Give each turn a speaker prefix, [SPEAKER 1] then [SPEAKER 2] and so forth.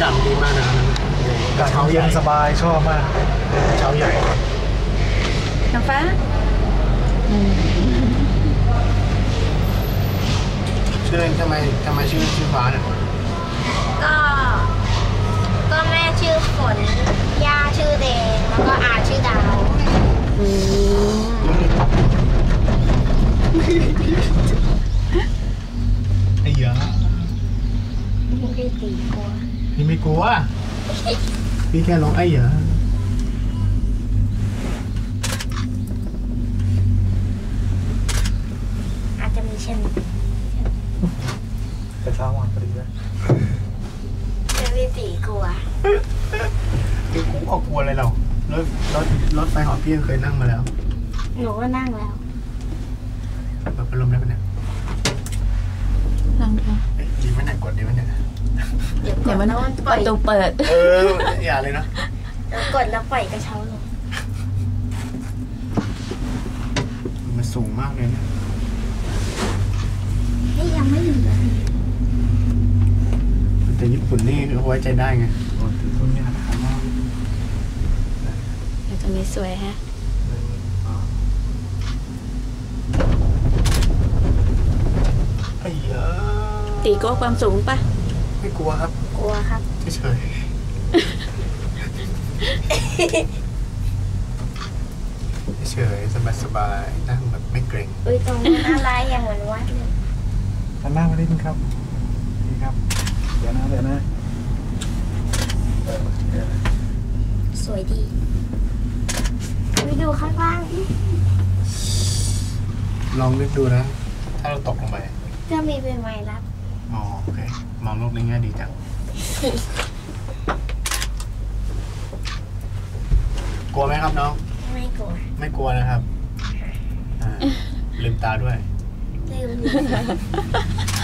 [SPEAKER 1] ดำดีมากนะกระเช้าเย็นสบายชอบมากกระเช้าใหญ่
[SPEAKER 2] น้ำฟ้า
[SPEAKER 1] ชื่อเล่นทำไมชื่อฟ้าเนี่ย
[SPEAKER 3] ก็แม่ชื่อฝนย่าชื่อแดงแล้วก็อาชื่อดาว
[SPEAKER 1] ไอ้เหี้ย
[SPEAKER 3] พี่ไม่ตีกลัว
[SPEAKER 1] พี่ไม่กลัวพี่แค่ร้องไอ้เหี้ย
[SPEAKER 3] อาจจะมีเช่น
[SPEAKER 1] กระเช้าวันพอดีเลย
[SPEAKER 3] พี่ตีกลัว
[SPEAKER 1] คือกูออกกลัวอะไรเรารถไฟหอพี่เคยนั่งมาแล้ว
[SPEAKER 3] หนูก็นั่งแล้ว
[SPEAKER 1] เปิดพัดลมได้ปะเนี่ย
[SPEAKER 2] นั่งค่ะ
[SPEAKER 1] ดีไหมเนี่ยกดดีไหมเนี่ย
[SPEAKER 3] เดี๋ยวมัน
[SPEAKER 2] ประตูเปิด
[SPEAKER 1] อย่าเลยนะ
[SPEAKER 3] แล้วกดแล้วปล่อยกระเช้าลง
[SPEAKER 1] มันสูงมากเลยเนี่ย
[SPEAKER 3] ยังไม่ถึงเลย
[SPEAKER 1] แต่ญี่ปุ่นนี่เขาไว้ใจได้ไงตรงนี้นะครับ
[SPEAKER 2] ตรงนี้สวยฮะ
[SPEAKER 1] ไอ้เหี้ย
[SPEAKER 2] ตีกลัวความสูงปะ
[SPEAKER 1] ไม่กลัวครับ
[SPEAKER 3] กลัวครับ
[SPEAKER 1] เฉยสบายนั่งแบบไม่เกรง
[SPEAKER 3] ตรงนี้อะไรอย่างเหมือนวัดเลย
[SPEAKER 1] นั่งมาได้ไหมครับนี่ครับเดี๋ยวนะ
[SPEAKER 3] สวยดีไปดูข้างล่าง
[SPEAKER 1] ลองนึกดูนะถ้าเราตกลงไป
[SPEAKER 3] จะมีเป็นไม้รับ
[SPEAKER 1] อ๋อโอเคมองโลกในแง่ดีจังกลัวไหมครับน้อง
[SPEAKER 3] ไม่ก
[SPEAKER 1] ลัวนะครับลืมตาด้วย
[SPEAKER 3] ลืม